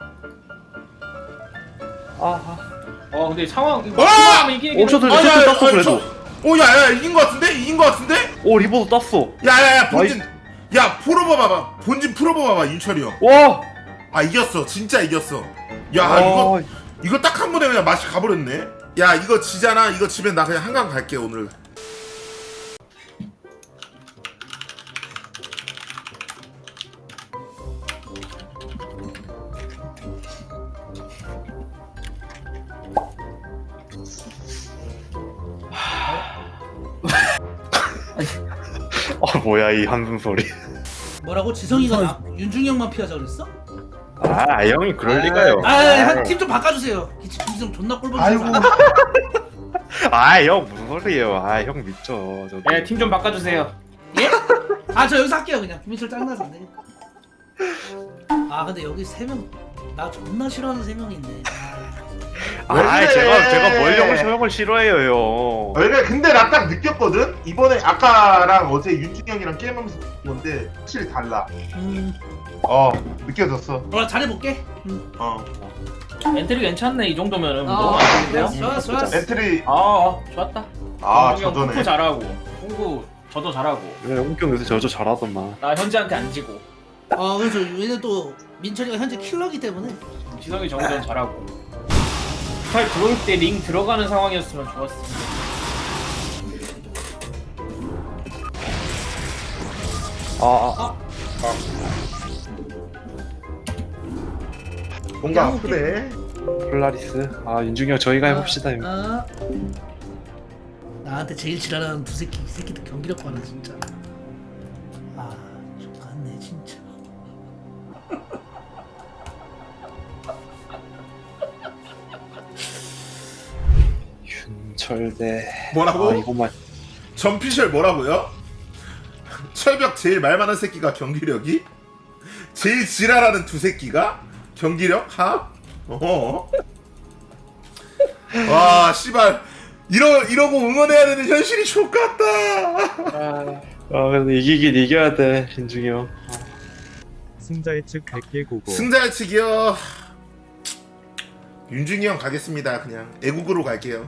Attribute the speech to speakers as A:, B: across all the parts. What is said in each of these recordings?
A: 근데 상황 이거
B: 와!
A: 하면 이기긴
C: 셔틀
B: 아, 야,
C: 땄어
B: 아니,
C: 그래도.
B: 야야 이긴 거 같은데? 이긴 거 같은데?
C: 오 리버도 땄어.
B: 야야야 본진 야 풀어봐봐 본진 풀어봐봐 윤철이 형.
C: 와.
B: 아 이겼어 진짜 이겼어. 야 이거 딱 한 번에 그냥 맛이 가버렸네. 야 이거 지잖아. 이거 집에 나 그냥 한강 갈게 오늘.
C: 뭐야 이 한숨 소리.
D: 뭐라고? 지성이가 윤중이 형만 피하자 그랬어?
C: 아 형이 그럴 리가요.
D: 팀 좀 바꿔주세요. 김지성 존나 꼴보기
E: 아이고.
C: 형 무슨 소리예요. 형 믿죠. 저도.
A: 예, 팀 좀 바꿔주세요.
D: 예? 저 여기서 할게요 그냥. 김민철 짱나서 안 되겠다. 근데 여기 3명 나 존나 싫어하는 3명이 있네.
E: 왜 그래?
C: 제가 뭘 형을 싫어해요 형.
E: 그래 근데 나 딱 느꼈거든. 이번에 아까랑 어제 윤중이 형이랑 게임하면서 느낀 건데 확실히 달라. 느껴졌어.
D: 뭐라 잘해볼게.
A: 엔트리 괜찮네 이 정도면은 너무
D: 아,
A: 안 좋은데요?
D: 좋았어.
E: 엔트리
A: 좋았다.
E: 저전에.
A: 홍구 잘하고 홍구 저도 잘하고
C: 그래 영경 요새 저저 잘하더만.
A: 나 현지한테 안 지고
D: 그래서 얘는 또 민철이가 현재 킬러기 때문에.
A: 지성이 정전 잘하고 스타일 들어올 때 링 들어가는 상황이었으면 좋았을 텐데.
E: 뭔가 아프네.
C: 폴라리스. 윤중이 형 저희가 해봅시다 형.
D: 나한테 제일 지랄하는 이 새끼들 경기력 봐라 진짜. 좋겠네 진짜.
C: 윤철대.
B: 뭐라고?
C: 이것만.
B: 전피셜 뭐라고요? 철벽 제일 말 많은 새끼가 경기력이? 제일 지랄하는 두 새끼가? 경기력? 와 씨발 이러고 응원해야 되는 현실이 족같다.
C: 근데 이기긴 이겨야 돼 윤중이 형.
F: 승자의 측 100개 고고.
B: 승자 측이요. 윤중이 형 가겠습니다. 그냥 애국으로 갈게요.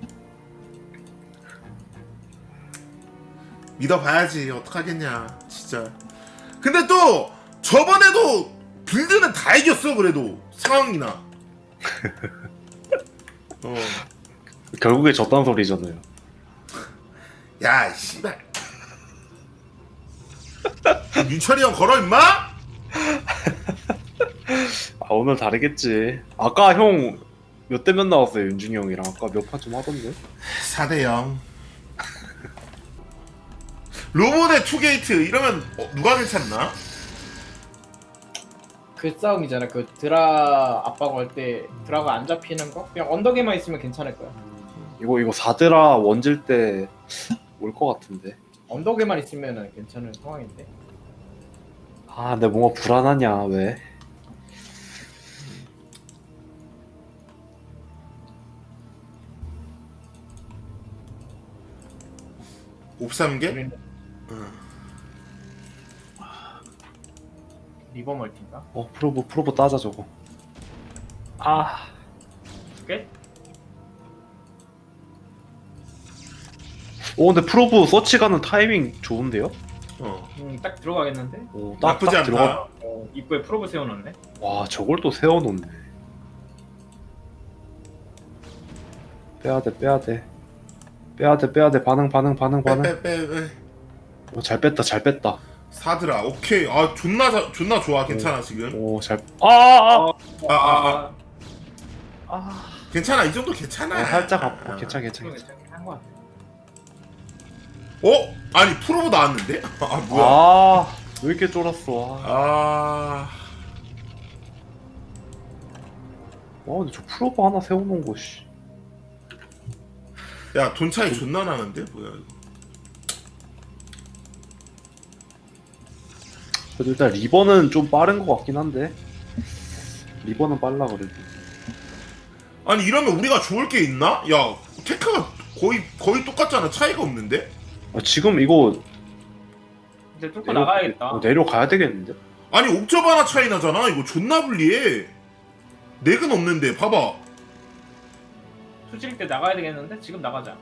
B: 믿어봐야지. 어떡하겠냐 진짜. 근데 또 저번에도 빌드는 다 이겼어. 그래도 상황이나
C: 결국에 졌단 소리잖아요.
B: 야 씨발 윤철이 형 걸어 임마.
C: 오늘 다르겠지. 아까 형 몇 대 몇 나왔어요 윤중이 형이랑. 아까 몇 판 좀 하던데.
B: 4대0 로봇의 투게이트 이러면 누가 괜찮나?
A: 그 싸움이잖아. 그 드라 압박 올 때 드라가 안 잡히는 거? 그냥 언덕에만 있으면 괜찮을 거야.
C: 이거 사드라 원질 때 올 것 같은데.
A: 언덕에만 있으면 괜찮은 상황인데.
C: 근데 뭔가 불안하냐 왜?
B: 옵삼개?
A: 우리는 리버 멀티인가?
C: 프로보 따자 저거.
A: 꽤?
C: 근데 프로보 서치 가는 타이밍 좋은데요?
A: 딱 들어가겠는데?
B: 나쁘지 않다.
C: 들어가.
A: 입구에 프로브 세워놓네.
C: 와 저걸 또 세워놓네. 빼야돼 반응.
B: 빼.
C: 잘 뺐다.
B: 사드라 오케이. 존나 좋아. 괜찮아 지금. 괜찮아 이 정도 괜찮아.
C: 살짝 괜찮아.
A: 한 거야.
B: 아니 프로보 나왔는데? 뭐야?
C: 왜 이렇게 쫄았어? 근데 저 프로보 하나 세워놓은 거 씨.
B: 야 돈 차이 존나 나는데 뭐야 이거.
C: 그래도 일단 리버는 좀 빠른 거 같긴 한데. 리버는 빨라 그래도.
B: 아니 이러면 우리가 좋을 게 있나? 야 테크가 거의 똑같잖아. 차이가 없는데?
C: 지금 이거
A: 이제 뚫고 나가야겠다.
C: 내려가야 되겠는데?
B: 아니 옥저버 하나 차이 나잖아. 이거 존나 불리해. 넥은 없는데 봐봐.
A: 수질 때 나가야 되겠는데 지금 나가자.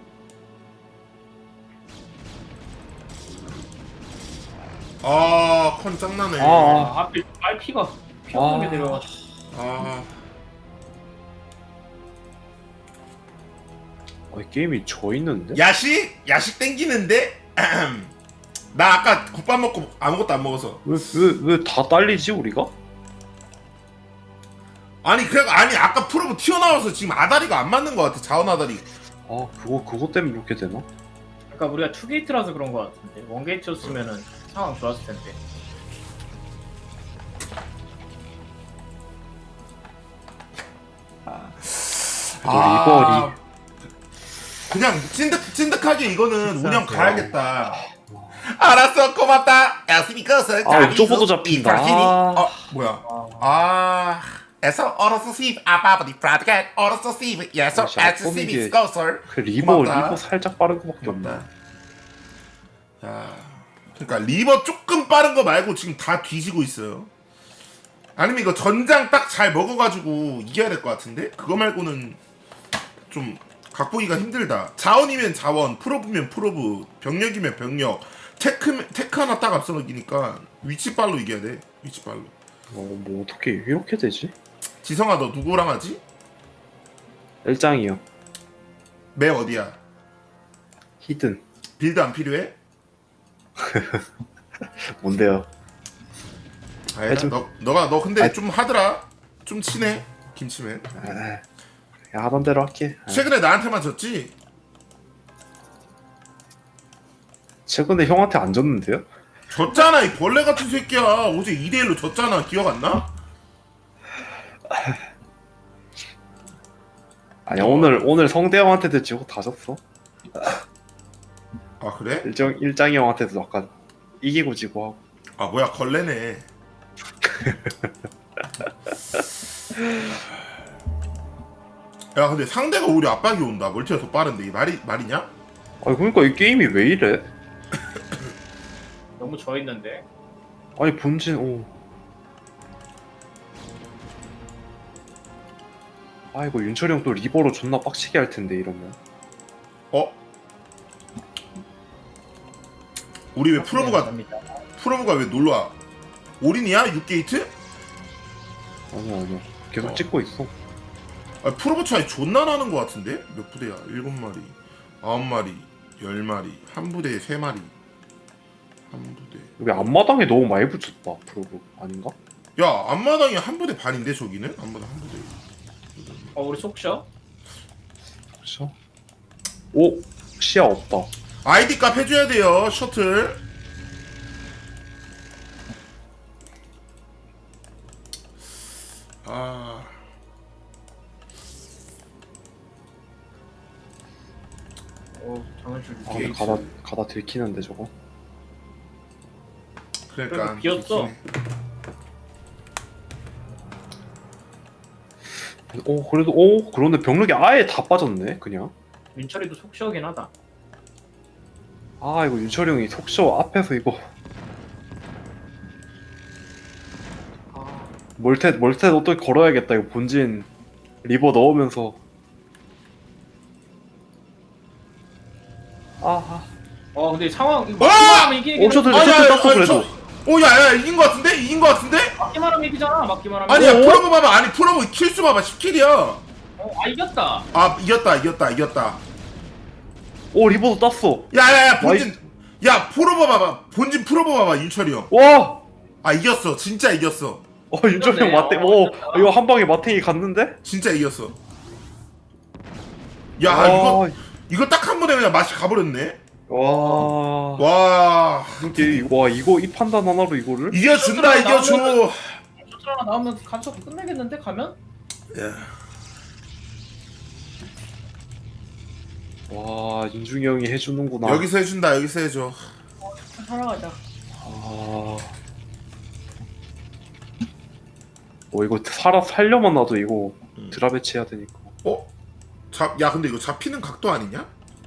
B: 아, 컨 짱나네.
A: 앞에 RP가 피 없는 게 내려와.
B: 아,
C: 이 게임이 져 있는데?
B: 야식 땡기는데? 나 아까 국밥 먹고 아무것도 안 먹어서.
C: 왜 다 딸리지 우리가?
B: 아니 아까 프로브 튀어나와서 지금 아다리가 안 맞는 것 같아. 자원 아다리.
C: 그거 때문에 그렇게 되나?
A: 그러니까 우리가 투게이트라서 그런 거 같은데 원게이트였으면은 상황 좋았을 텐데.
C: 리버
B: 그냥 찐득하게 이거는 운영 가야겠다. 알았어, 고맙다. 야스미커스.
C: 옥저버도 잡힌다.
B: 뭐야? 에서 어로서 시브 아바바디 프라드겟 어로서 시브 예서 에스 시비 스코설.
C: 그 리버
B: 고맙다.
C: 살짝 빠른 거밖에 없네.
B: 야, 그러니까 리버 조금 빠른 거 말고 지금 다 뒤지고 있어요. 아니면 이거 전장 딱 잘 먹어가지고 이겨야 될 것 같은데? 그거 말고는 좀 각보기가 힘들다. 자원이면 자원, 프로브면 프로브, 병력이면 병력, 테크 하나 딱 앞서 넘기니까 위치빨로 이겨야 돼. 위치빨로.
C: 뭐 어떻게 이렇게 되지?
B: 지성아, 너 누구랑 하지?
C: 일장이요.
B: 매 어디야?
C: 히든.
B: 빌드 안 필요해?
C: 뭔데요?
B: 아니다. 너 근데 좀 하더라. 좀 친해. 김치맨.
C: 야, 하던 대로 할게.
B: 최근에 나한테만 졌지?
C: 최근에 형한테 안 졌는데요?
B: 졌잖아, 이 벌레 같은 새끼야. 어제 2대1로 졌잖아. 기억 안 나?
C: 아니야, 오늘 성대 형한테도 지고 다 졌어.
B: 아, 그래?
C: 일장이 형한테도 아까 이기고 지고 하고.
B: 아, 뭐야, 걸레네. 야, 근데 상대가 우리 압박이 온다. 멀티가 더 빠른데. 이 말이냐?
C: 그러니까 이 게임이 왜 이래?
A: 너무 져 있는데.
C: 아니 본진 이거 윤철이 형 또 리버로 존나 빡치게 할 텐데 이러면.
B: 우리 왜 프로브가 왜 놀러와? 올인이야? 6게이트?
C: 아니야. 계속 찍고 있어.
B: 아, 프로브 차이 존나 나는 것 같은데? 몇 부대야? 7마리, 9마리, 10마리, 한 부대에 3마리. 한 부대.
C: 여기 앞마당에 너무 많이 붙였다. 프로브 아닌가?
B: 야, 앞마당이 한 부대 반인데 저기는? 앞마당 한 부대.
A: 우리 속셔?
C: 그렇죠? 시야 없다.
B: 아이디 값 해줘야 돼요. 셔틀.
A: 장난줄.
C: 근데 가다 들키는데 저거.
B: 그러니까
A: 비었어.
C: 그래도 그런데 병력이 아예 다 빠졌네 그냥.
A: 민철이도 속셔긴 하다.
C: 이거 윤철이 형이 속쇼 앞에서 이거 멀텟 어떻게 걸어야겠다. 이거 본진 리버 넣으면서
A: 근데 상황 이거 막기만 하면 이기긴
C: 셔틀
A: 해.
C: 땄어 그래도.
B: 야야, 이긴 것 같은데? 이긴 것 같은데?
A: 막기만 하면 이기잖아. 막기만 하면.
B: 아니야, 프로브 봐봐. 아니, 프로브 킬수 봐봐. 10킬이야.
A: 이겼다.
B: 아, 이겼다.
C: 리버도 땄어.
B: 야야야, 본진. 야, 프로브 봐봐. 본진 프로브 봐봐. 윤철이 형.
C: 와!
B: 아, 이겼어. 진짜 이겼어.
C: 윤철이 형 마탱. 이거 한 방에 마탱이 갔는데?
B: 진짜 이겼어. 야, 이거 딱 한 번에 그냥 맛이 가버렸네. 와.
C: 이거 이 판단 하나로 이거를?
B: 이겨준다, 이겨줘.
A: 셔틀 하나 나오면 간섭 끝내겠는데 가면?
C: 와, 윤중이 형이 해주는구나.
B: 여기서 해준다, 여기서 해줘.
A: 살아가자.
C: 이거 살려만 놔도 이거 드라베치 해야 되니까.
B: 야, 근데 이거 잡히는 각도 아니냐?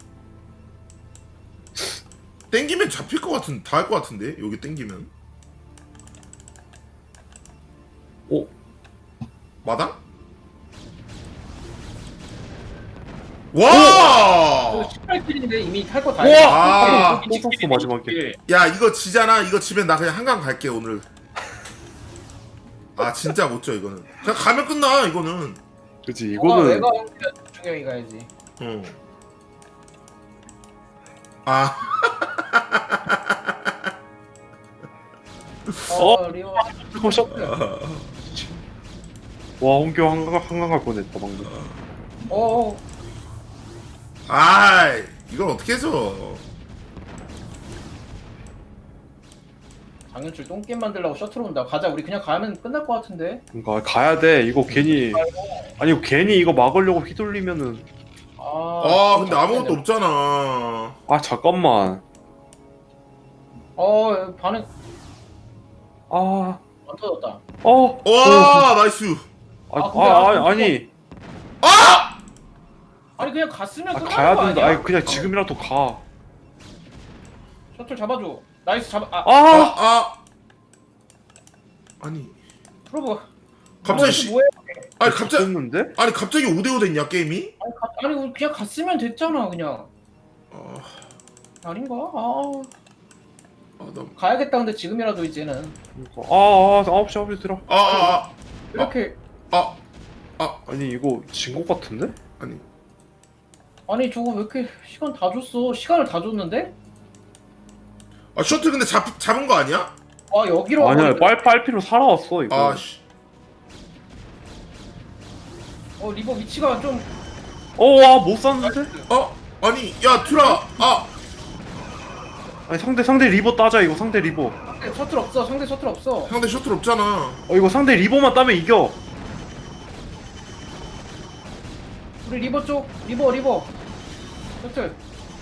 B: 땡기면 잡힐 것 같은, 다 할 것 같은데? 여기 땡기면. 마당? 와!
A: 18킬인데 이미 탈 거 다
C: 우와!
A: 했어.
B: 아.
C: 또 썼어, 마지막에.
B: 야 이거 지잖아. 이거 지면 나 그냥 한강 갈게 오늘. 아 진짜 못 져 이거는. 그냥 가면 끝나 이거는.
C: 그치,
A: 이거는
C: 이거는.
A: 내가 중경이 가야지.
B: 응. 아
A: 리오.
C: 컷샷. 와, 홍교 한강 갈 뻔했다, 방금.
A: 어.
B: 아이 이걸 어떻게 해줘?
A: 장윤출 똥게임 만들려고 셔틀 온다. 가자. 우리 그냥 가면 끝날 것 같은데.
C: 그러니까 가야 돼. 이거 괜히. 아니, 이거 괜히 이거 막으려고 휘둘리면은.
B: 아 근데 아무것도 없잖아.
C: 아, 잠깐만.
A: 반응
C: 아,
A: 안 터졌다.
B: 와 나이스.
C: 아니.
A: 아니 그냥 갔으면 끝날
C: 가야
A: 거
C: 된다.
A: 아니야?
C: 아니, 그냥 지금이라도 가.
A: 셔틀 잡아줘. 나이스 잡아.
B: 아니
A: 프로브.
B: 갑자기
A: 씨. 뭐해?
B: 아니 갑자기
C: 됐는데?
B: 아니 갑자기 5대5 됐냐 게임이?
A: 아니 우리 그냥 갔으면 됐잖아 그냥. 아닌가?
B: 나
A: 가야겠다. 근데 지금이라도 이제는
C: 그러니까. 9시 들어.
A: 이렇게.
C: 아니, 이거 진 것 같은데?
B: 아니
A: 저거 왜 이렇게 시간 다 줬어? 시간을 다 줬는데?
B: 셔틀 근데 잡은 거 아니야?
A: 여기로.
C: 아니야,
A: 와버리네.
C: 빨피로 살아왔어, 이거.
B: 아씨
A: 리버 위치가 좀.
C: 못 쐈는데?
B: 아니 야 투라
C: 아니, 상대 리버 따자, 이거 상대 리버.
A: 셔틀 없어. 상대 셔틀 없어.
B: 상대 셔틀 없잖아.
C: 이거 상대 리버만 따면 이겨.
A: 우리 리버 쪽. 리버. 셔틀.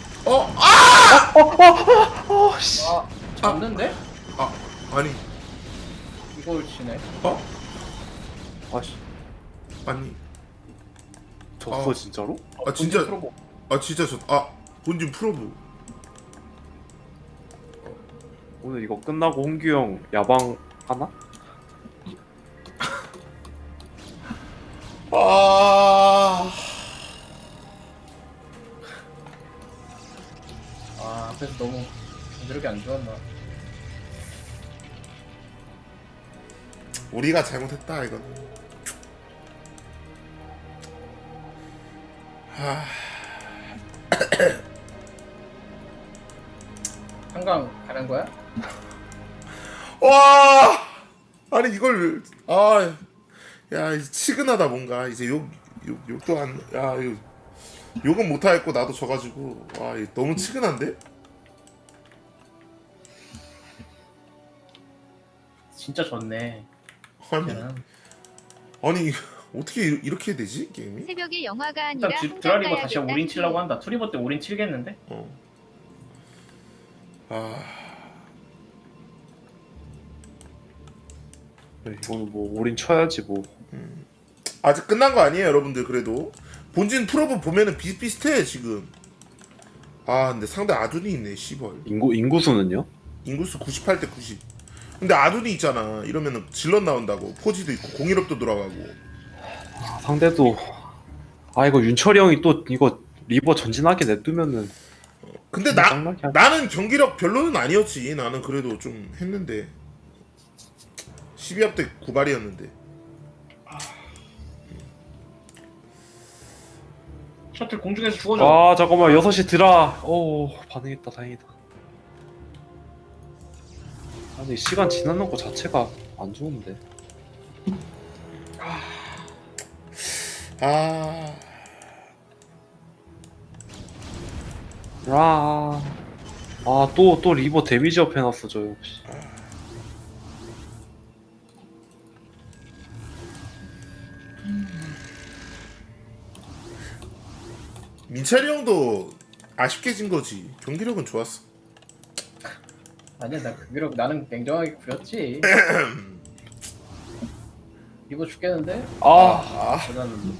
C: 씨.
A: 잡는데?
B: 아니
A: 이걸 치네.
C: 아씨,
B: 아니
C: 졌어, 진짜로?
B: 진짜
A: 프로보.
B: 진짜 본진 프로브.
C: 오늘 이거 끝나고 홍규 형 야방 하나?
A: 앞에서 너무 부드럽게 안 좋았나.
B: 우리가 잘못했다 이건.
A: 한강 가는 거야?
B: 와 아니 이걸 야 이제 치근하다 뭔가 이제 욕도 안야 이거 욕은 못하겠고 나도 져가지고 와 이거 너무 치근한데?
A: 진짜 좋네.
B: 아니 어떻게 이렇게 되지 게임이?
G: 새벽에 영화가 아니라
A: 일단 드라리버
G: 한강
A: 다시
G: 가야겠다.
A: 올인 치려고 한다. 투리버 때 올인 치겠는데?
C: 네, 이거는 뭐 올인 쳐야지 뭐.
B: 아직 끝난 거 아니에요 여러분들. 그래도 본진 프로브 보면은 비슷비슷해 지금. 근데 상대 아둔이 있네 씨벌.
C: 인구수는요?
B: 인구수 98대 90. 근데 아둔이 있잖아. 이러면은 질럿 나온다고. 포지도 있고 공일업도 돌아가고.
C: 상대도 이거 윤철이 형이 또 이거 리버 전진하게 냅두면은.
B: 근데
C: 짱나게 하지.
B: 나는 경기력 별로는 아니었지. 나는 그래도 좀 했는데 12합 때 9발이었는데.
A: 셔틀 공중에서 죽어줘.
C: 잠깐만 6시 드라. 반응했다, 다행이다. 아니, 시간 지나는 거 자체가 안 좋은데. 또 리버 데미지 업 해놨어, 저 역시.
B: 민철이 형도 아쉽게 진 거지. 경기력은 좋았어.
A: 아니야 나는 냉정하게 구렸지. 리버 죽겠는데? 대단한데.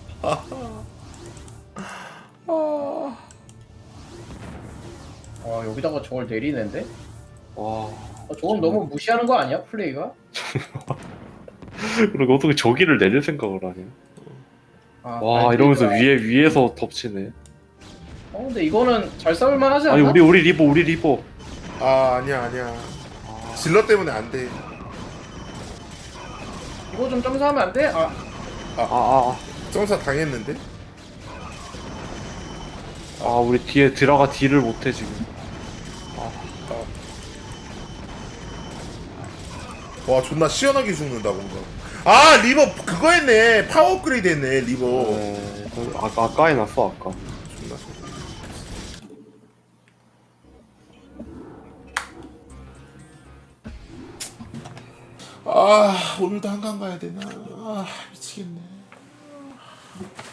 A: 여기다가 저걸 내리는데?
C: 와.
A: 저건 너무 무시하는 거 아니야 플레이가?
C: 그리고 어떻게 저기를 내릴 생각을 하냐?
A: 아,
C: 와
A: 아니,
C: 이러면서 위에서 덮치네.
A: 근데 이거는 잘 싸울만 하지 않나?
C: 아니 우리 리버.
B: 아 아니야 질러 때문에 안돼.
A: 이거 좀 점수하면 안 돼?
B: 점사 당했는데?
C: 우리 뒤에 드라가 딜을 못해 지금.
B: 와 존나 시원하게 죽는다 뭔가. 아 리버 그거 했네. 파워 업그레이드 했네 리버.
C: 아까 해놨어 아까.
B: 존나 오늘도 한강 가야 되나? 미치겠네.